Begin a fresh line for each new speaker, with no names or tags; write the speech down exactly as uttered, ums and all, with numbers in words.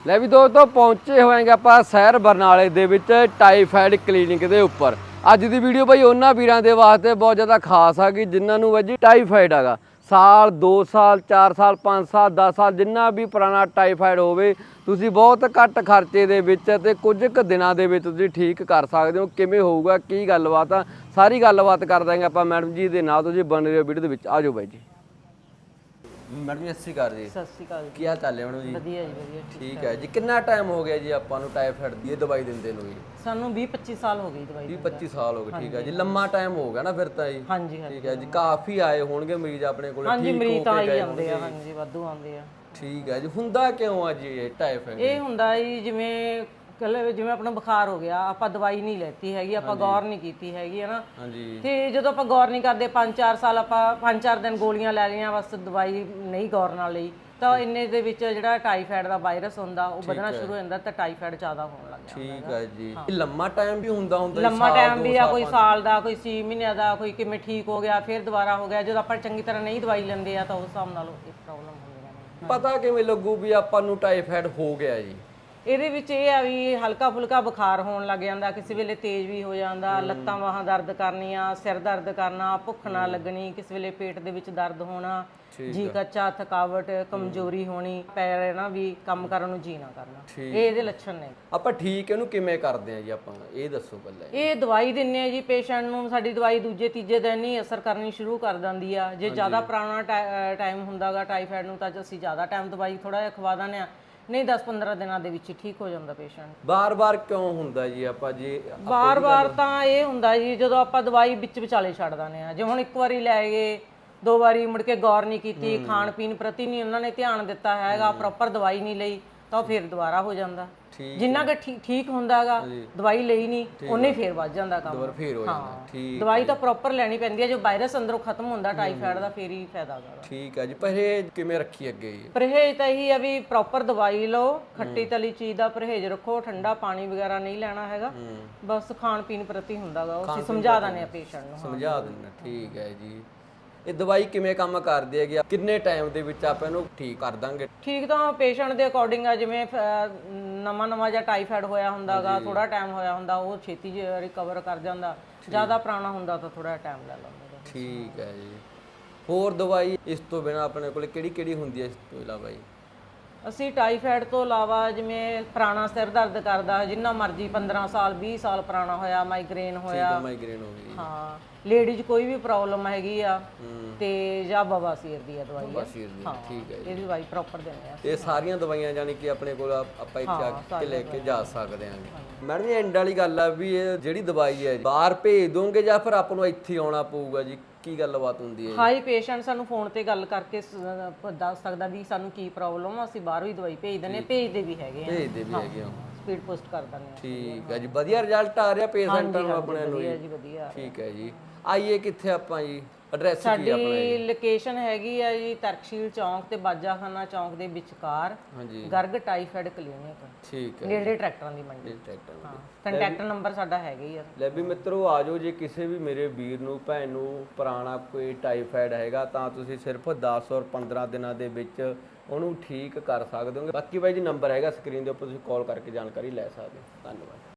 ਲੈ ਵੀ ਦੋਸਤੋ ਪਹੁੰਚੇ ਹੋਏਗੇ ਆਪਾਂ ਸ਼ਹਿਰ ਬਰਨਾਲੇ ਦੇ ਵਿੱਚ ਟਾਈਫਾਇਡ ਕਲੀਨਿਕ ਦੇ ਉੱਪਰ। ਅੱਜ ਦੀ ਵੀਡੀਓ ਬਾਈ ਉਹਨਾਂ ਵੀਰਾਂ ਦੇ ਵਾਸਤੇ ਬਹੁਤ ਜ਼ਿਆਦਾ ਖਾਸ ਆ ਕਿ ਜਿਨ੍ਹਾਂ ਨੂੰ ਬਾਈ ਜੀ ਟਾਈਫਾਇਡ ਹੈਗਾ। ਸਾਲ ਦੋ ਸਾਲ ਚਾਰ ਸਾਲ ਪੰਜ ਸਾਲ ਦਸ ਸਾਲ ਜਿੰਨਾ ਵੀ ਪੁਰਾਣਾ ਟਾਈਫਾਇਡ ਹੋਵੇ ਤੁਸੀਂ ਬਹੁਤ ਘੱਟ ਖਰਚੇ ਦੇ ਵਿੱਚ ਤੇ ਕੁਝ ਕੁ ਦਿਨਾਂ ਦੇ ਵਿੱਚ ਤੁਸੀਂ ਠੀਕ ਕਰ ਸਕਦੇ ਹੋ। ਕਿਵੇਂ ਹੋਊਗਾ ਕੀ ਗੱਲਬਾਤ ਆ ਸਾਰੀ ਗੱਲਬਾਤ ਕਰ ਦਾਂਗੇ ਆਪਾਂ ਮੈਡਮ ਜੀ ਦੇ ਨਾਲ। ਤੁਸੀਂ ਬਣ ਰਹੇ ਹੋ ਵੀਡੀਓ ਦੇ ਵਿੱਚ, ਆ ਜਾਓ ਬਾਈ ਜੀ। ਮੈਡਮ ਜੀ ਸਤਿ ਸ਼੍ਰੀ ਅਕਾਲ ਜੀ।
ਸਤਿ ਸ਼੍ਰੀ ਅਕਾਲ।
ਕੀ ਹਾਲ ਚਾਲ ਹੈ ਮੈਡਮ ਜੀ?
ਵਧੀਆ ਜੀ ਵਧੀਆ।
ਠੀਕ ਹੈ ਜੀ। ਕਿੰਨਾ ਟਾਈਮ ਹੋ ਗਿਆ ਜੀ ਆਪਾਂ ਨੂੰ ਟਾਈਫਾਇਡ ਦੀ ਇਹ ਦਵਾਈ ਦਿੰਦੇ ਨੂੰ ਜੀ?
ਸਾਨੂੰ ਵੀਹ ਪੱਚੀ ਸਾਲ ਹੋ ਗਏ ਦਵਾਈ
ਵੀਹ ਪੱਚੀ ਸਾਲ ਹੋ ਗਏ। ਠੀਕ ਹੈ ਜੀ, ਲੰਮਾ ਟਾਈਮ ਹੋ ਗਿਆ ਨਾ ਫਿਰ ਤਾਂ ਜੀ।
ਹਾਂਜੀ
ਠੀਕ ਹੈ ਜੀ। ਕਾਫੀ ਆਏ ਹੋਣਗੇ ਮਰੀਜ਼ ਆਪਣੇ ਕੋਲ?
ਹਾਂਜੀ ਮਰੀਜ਼ ਤਾਂ ਆਈ ਜਾਂਦੇ ਆ, ਹਾਂਜੀ ਵਾਧੂ ਆਉਂਦੇ ਆ।
ਠੀਕ ਹੈ ਜੀ। ਹੁੰਦਾ ਕਿਉਂ ਆ ਜੀ ਇਹ ਟਾਈਫਾਇਡ?
ਇਹ ਹੁੰਦਾ ਜੀ ਜਿਵੇਂ ਕੱਲ ਜਿਵੇਂ ਆਪਣਾ ਬੁਖਾਰ ਹੋ ਗਿਆ, ਆਪਾਂ ਦਵਾਈ ਨਹੀਂ ਲੈਤੀ ਹੈਗੀ, ਆਪਾਂ ਗੌਰ ਨਹੀਂ ਕੀਤੀ ਹੈਗੀ ਹੈ ਨਾ।
ਹਾਂਜੀ।
ਤੇ ਜਦੋਂ ਆਪਾਂ ਗੌਰ ਨਹੀਂ ਕਰਦੇ ਪੰਜ ਚਾਰ ਸਾਲ ਆਪਾਂ ਪੰਜ ਚਾਰ ਦਿਨ ਗੋਲੀਆਂ ਲੈ ਲਈਆਂ ਬਸ, ਦਵਾਈ ਨਹੀਂ ਗੌਰ ਨਾਲ ਲਈ ਤਾਂ ਇੰਨੇ ਦੇ ਵਿੱਚ ਜਿਹੜਾ ਟਾਈਫਾਇਡ ਦਾ ਵਾਇਰਸ ਹੁੰਦਾ ਉਹ ਵਧਣਾ ਸ਼ੁਰੂ ਹੋ ਜਾਂਦਾ ਤਾਂ ਟਾਈਫਾਇਡ ਜ਼ਿਆਦਾ ਹੋਣ ਲੱਗ ਜਾਂਦਾ।
ਠੀਕ ਹੈ ਜੀ। ਇਹ ਲੰਮਾ ਟਾਈਮ ਵੀ ਹੁੰਦਾ ਹੁੰਦਾ?
ਲੰਮਾ ਟਾਈਮ ਵੀ ਆ, ਕੋਈ ਸਾਲ ਦਾ, ਕੋਈ ਛੇ ਮਹੀਨਿਆਂ ਦਾ, ਕੋਈ ਕਿਵੇਂ ਠੀਕ ਹੋ ਗਿਆ ਫਿਰ ਦੁਬਾਰਾ ਹੋ ਗਿਆ। ਜਦੋਂ ਆਪਾਂ ਚੰਗੀ ਤਰ੍ਹਾਂ ਨਹੀਂ ਦਵਾਈ ਲੈਂਦੇ ਆ ਤਾਂ ਉਸ ਹਿਸਾਬ ਨਾਲ ਇਹ ਪ੍ਰੋਬਲਮ ਹੁੰਦੀਆਂ ਨੇ।
ਪਤਾ ਕਿਵੇਂ ਲੱਗੂ ਵੀ ਆਪਾਂ ਨੂੰ ਟਾਈਫਾਇਡ ਹੋ ਗਿਆ ਜੀ?
ਇਹਦੇ ਵਿੱਚ ਇਹ ਆ ਵੀ ਹਲਕਾ ਫੁਲਕਾ ਬੁਖਾਰ ਹੋਣ ਲੱਗ ਜਾਂਦਾ, ਕਿਸੇ ਵੇਲੇ ਤੇਜ਼ ਵੀ ਹੋ ਜਾਂਦਾ, ਲੱਤਾਂ ਬਾਹਾਂ ਦਰਦ ਕਰਨੀਆਂ, ਸਿਰ ਦਰਦ ਕਰਨਾ, ਭੁੱਖ ਨਾ ਲੱਗਣੀ, ਕਿਸੇ ਵੇਲੇ ਪੇਟ ਦੇ ਵਿੱਚ ਦਰਦ ਹੋਣਾ, ਜੀ ਕੱਚਾ, ਥਕਾਵਟ, ਕਮਜ਼ੋਰੀ ਹੋਣੀ, ਪੈਰ ਨਾ ਵੀ ਕੰਮ ਕਰਨ ਨੂੰ ਜੀ ਨਾ ਕਰਨਾ। ਇਹ ਇਹਦੇ ਲੱਛਣ ਨੇ।
ਆਪਾਂ ਠੀਕ ਇਹਨੂੰ ਕਿਵੇਂ ਕਰਦੇ ਆ ਜੀ ਆਪਾਂ ਇਹ ਦੱਸੋ ਪਹਿਲਾਂ।
ਇਹ ਦਵਾਈ ਦਿੰਨੇ ਆ ਜੀ ਪੇਸ਼ੈਂਟ ਨੂੰ। ਸਾਡੀ ਦਵਾਈ ਦੂਜੇ ਤੀਜੇ ਦਿਨ ਹੀ ਅਸਰ ਕਰਨੀ ਸ਼ੁਰੂ ਕਰ ਦਿੰਦੀ ਆ। ਜੇ ਜ਼ਿਆਦਾ ਪੁਰਾਣਾ ਟਾਈਮ ਹੁੰਦਾਗਾ ਟਾਈਫਾਇਡ ਨੂੰ ਤਾਂ ਅਸੀਂ ਜ਼ਿਆਦਾ ਟਾਈਮ ਦਵਾਈ ਥੋੜਾ ਜਿਹਾ ਖਵਾ ਦਿੰਦੇ ਆ, ਨਹੀਂ ਦਸ ਪੰਦਰਾਂ ਦਿਨਾਂ ਦੇ ਵਿੱਚ ਠੀਕ ਹੋ ਜਾਂਦਾ ਪੇਸ਼ੈਂਟ।
ਬਾਰ-ਬਾਰ ਕਿਉਂ ਹੁੰਦਾ ਜੀ ਆਪਾਂ ਜੀ?
ਬਾਰ-ਬਾਰ ਤਾਂ ਇਹ ਹੁੰਦਾ ਜੀ ਜਦੋਂ ਆਪਾਂ ਦਵਾਈ ਵਿੱਚ ਵਿਚਾਲੇ ਛੱਡ ਦਿੰਦੇ ਆ। ਜੇ ਹੁਣ ਇੱਕ ਵਾਰੀ ਲੈ ਗਏ, ਦੋ ਵਾਰੀ ਮੁੜ ਕੇ ਗੌਰ ਨਹੀਂ ਕੀਤੀ, ਖਾਣ ਪੀਣ ਪ੍ਰਤੀ ਨਹੀਂ ਉਹਨਾਂ ਨੇ ਧਿਆਨ ਦਿੱਤਾ ਹੈਗਾ, ਪ੍ਰੋਪਰ ਦਵਾਈ ਨਹੀਂ ਲਈ ਤਾਂ ਫਿਰ ਦੁਬਾਰਾ ਹੋ ਜਾਂਦਾ। ਜਿੰਨਾ ਕਿ ਠੀਕ ਹੁੰਦਾਗਾ ਦਵਾਈ ਲਈ ਨਹੀਂ ਉਹਨੇ ਫੇਰ ਵੱਧ ਜਾਂਦਾ ਕੰਮ,
ਦੁਬਾਰਾ ਫੇਰ ਹੋ ਜਾਂਦਾ। ਠੀਕ।
ਦਵਾਈ ਤਾਂ ਪ੍ਰੋਪਰ ਲੈਣੀ ਪੈਂਦੀ ਹੈ। ਜੋ ਵਾਇਰਸ ਅੰਦਰੋਂ ਖਤਮ ਹੁੰਦਾ ਟਾਈਫਾਇਡ ਦਾ ਫੇਰ ਹੀ ਫਾਇਦਾ ਹੈਗਾ।
ਠੀਕ ਹੈ ਜੀ। ਪਰਹੇਜ਼ ਕਿਵੇਂ ਰੱਖੀ ਅੱਗੇ ਜੀ?
ਪਰਹੇਜ਼ ਤਾਂ ਇਹੀ ਆ ਵੀ ਪ੍ਰੋਪਰ ਦਵਾਈ ਲਓ, ਖੱਟੀ ਤਲੀ ਚੀਜ਼ ਦਾ ਪਰਹੇਜ਼ ਰੱਖੋ, ਠੰਡਾ ਪਾਣੀ ਵਗੈਰਾ ਨਹੀਂ ਲੈਣਾ ਹੈਗਾ, ਬਸ ਖਾਣ ਪੀਣ ਪ੍ਰਤੀ ਹੁੰਦਾਗਾ ਉਹ ਅਸੀਂ ਸਮਝਾ ਦਿੰਦੇ ਆ ਪੇਸ਼ੈਂਟ ਨੂੰ।
ਸਮਝਾ ਦਿੰਦੇ। ਠੀਕ ਹੈ ਜੀ। ਇਹ ਦਵਾਈ ਕਿਵੇਂ ਕੰਮ ਕਰਦੀ ਹੈਗੀ? ਕਿੰਨੇ ਟਾਈਮ ਦੇ ਵਿੱਚ ਆਪਾਂ ਇਹਨੂੰ ਠੀਕ ਕਰ ਦਾਂਗੇ?
ਠੀਕ ਤਾਂ ਪੇਸ਼ੈਂਟ ਦੇ ਅਕੋਰਡਿੰਗ ਆ। ਜਿਵੇਂ ਨਵਾਂ ਨਵਾਂ ਜਿਹਾ ਟਾਈਫਾਇਡ ਹੋਇਆ ਹੁੰਦਾਗਾ, ਥੋੜਾ ਟਾਈਮ ਹੋਇਆ ਹੁੰਦਾ ਉਹ ਛੇਤੀ ਰਿਕਵਰ ਕਰ ਜਾਂਦਾ, ਜ਼ਿਆਦਾ ਪੁਰਾਣਾ ਹੁੰਦਾ ਤਾਂ ਥੋੜਾ ਟਾਈਮ ਲੈ ਲੈਂਦਾ।
ਠੀਕ ਹੈ ਜੀ। ਹੋਰ ਦਵਾਈ ਇਸ ਤੋਂ ਬਿਨਾਂ ਆਪਣੇ ਕੋਲ ਕਿਹੜੀ ਕਿਹੜੀ ਹੁੰਦੀ ਹੈ ਇਸ ਤੋਂ ਇਲਾਵਾ ਜੀ?
ਅਸੀਂ ਟਾਈਫਾਇਡ ਤੋਂ ਇਲਾਵਾ ਜਿਵੇਂ ਪੁਰਾਣਾ ਸਿਰ ਦਰਦ ਕਰਦਾ ਜਿੰਨਾ ਮਰਜ਼ੀ ਪੰਦਰਾਂ ਸਾਲ ਵੀਹ ਸਾਲ ਪੁਰਾਣਾ ਹੋਇਆ, ਮਾਈਗ੍ਰੇਨ ਹੋਇਆ,
ਮਾਈਗ੍ਰੇਨ ਹੋ ਗਈ,
ਹਾਂ ਲੇਡੀਜ਼ ਕੋਈ ਵੀ ਪ੍ਰੋਬਲਮ ਹੈਗੀ ਆ ਤੇ ਜਾਂ ਬਵਾਸੀਰ ਦੀ ਆ ਦਵਾਈ ਆ।
ਠੀਕ ਹੈ ਜੀ।
ਇਹ ਦਵਾਈ ਪ੍ਰੋਪਰ ਦਿੰਦੇ ਆ।
ਇਹ ਸਾਰੀਆਂ ਦਵਾਈਆਂ ਜਾਨੀ ਕਿ ਆਪਣੇ ਕੋਲ ਆਪਾਂ ਇੱਥੇ ਆ ਕੇ ਲੈ ਕੇ ਜਾ ਸਕਦੇ ਹਾਂ। ਮੈਡਮ ਜੀ ਐਂਡ ਵਾਲੀ ਗੱਲ ਆ ਵੀ ਇਹ ਜਿਹੜੀ ਦਵਾਈ ਹੈ ਬਾਹਰ ਭੇਜ ਦੋਗੇ ਜਾਂ ਫਿਰ ਆਪਾਂ ਨੂੰ ਇੱਥੇ ਆਉਣਾ ਪਊਗਾ ਜੀ? ਕੀ ਗੱਲਬਾਤ ਹੁੰਦੀ ਹੈ?
ਹਾਈ ਪੇਸ਼ੈਂਟ ਸਾਨੂੰ ਫੋਨ ਤੇ ਗੱਲ ਕਰਕੇ ਦੱਸ ਸਕਦਾ ਵੀ ਸਾਨੂੰ ਕੀ ਪ੍ਰੋਬਲਮ ਆ, ਅਸੀਂ ਬਾਹਰੋਂ ਹੀ ਦਵਾਈ ਭੇਜ ਦਿੰਦੇ, ਭੇਜਦੇ ਵੀ ਹੈਗੇ ਆ,
ਭੇਜਦੇ ਵੀ ਹੈਗੇ ਆ,
ਸਪੀਡ ਪੋਸਟ ਕਰ ਦਿੰਦੇ ਆ।
ਠੀਕ ਹੈ ਜੀ। ਵਧੀਆ ਰਿਜ਼ਲਟ ਆ ਰਿਹਾ ਪੇਸ਼ੈਂਟਾਂ ਨੂੰ ਆਪਣੇ ਨੂੰ?
ਵਧੀਆ ਜੀ ਵਧੀਆ।
ਠੀਕ ਹੈ ਜੀ। ਆਈਏ ਕਿੱਥੇ ਆਪਾਂ ਜੀ? ਐਡਰੈਸ ਕੀ ਆਪਣਾ?
ਸਾਡੀ ਲੋਕੇਸ਼ਨ ਹੈਗੀ ਆ ਜੀ ਤਰਕਸ਼ੀਲ ਚੌਂਕ ਤੇ ਬਾਜਾਖਾਨਾ ਚੌਂਕ ਦੇ ਵਿਚਕਾਰ,
ਹਾਂਜੀ,
ਗਰਗ ਟਾਈਫਾਇਡ ਕਲੀਨਿਕ।
ਠੀਕ ਹੈ।
ਨੇੜੇ ਟਰੈਕਟਰਾਂ ਦੀ ਮੰਡੀ। ਹਾਂ, ਕੰਟੈਕਟ ਨੰਬਰ ਸਾਡਾ ਹੈਗਾ ਹੀ ਆ।
ਲੈ ਵੀ ਮਿੱਤਰੋ ਆ ਜਾਓ, ਜੇ ਕਿਸੇ ਵੀ ਮੇਰੇ ਵੀਰ ਨੂੰ ਭੈਣ ਨੂੰ ਪੁਰਾਣਾ ਕੋਈ ਟਾਈਫਾਇਡ ਹੈਗਾ ਤਾਂ ਤੁਸੀਂ ਸਿਰਫ ਦਸ ਔਰ ਪੰਦਰਾਂ ਦਿਨਾਂ ਦੇ ਵਿੱਚ ਉਹਨੂੰ ਠੀਕ ਕਰ ਸਕਦੇ ਹੋ। ਬਾਕੀ ਬਾਈ ਜੀ ਨੰਬਰ ਹੈਗਾ ਸਕਰੀਨ ਦੇ ਉੱਪਰ, ਤੁਸੀਂ ਕਾਲ ਕਰਕੇ ਜਾਣਕਾਰੀ ਲੈ ਸਕਦੇ ਹੋ। ਧੰਨਵਾਦ।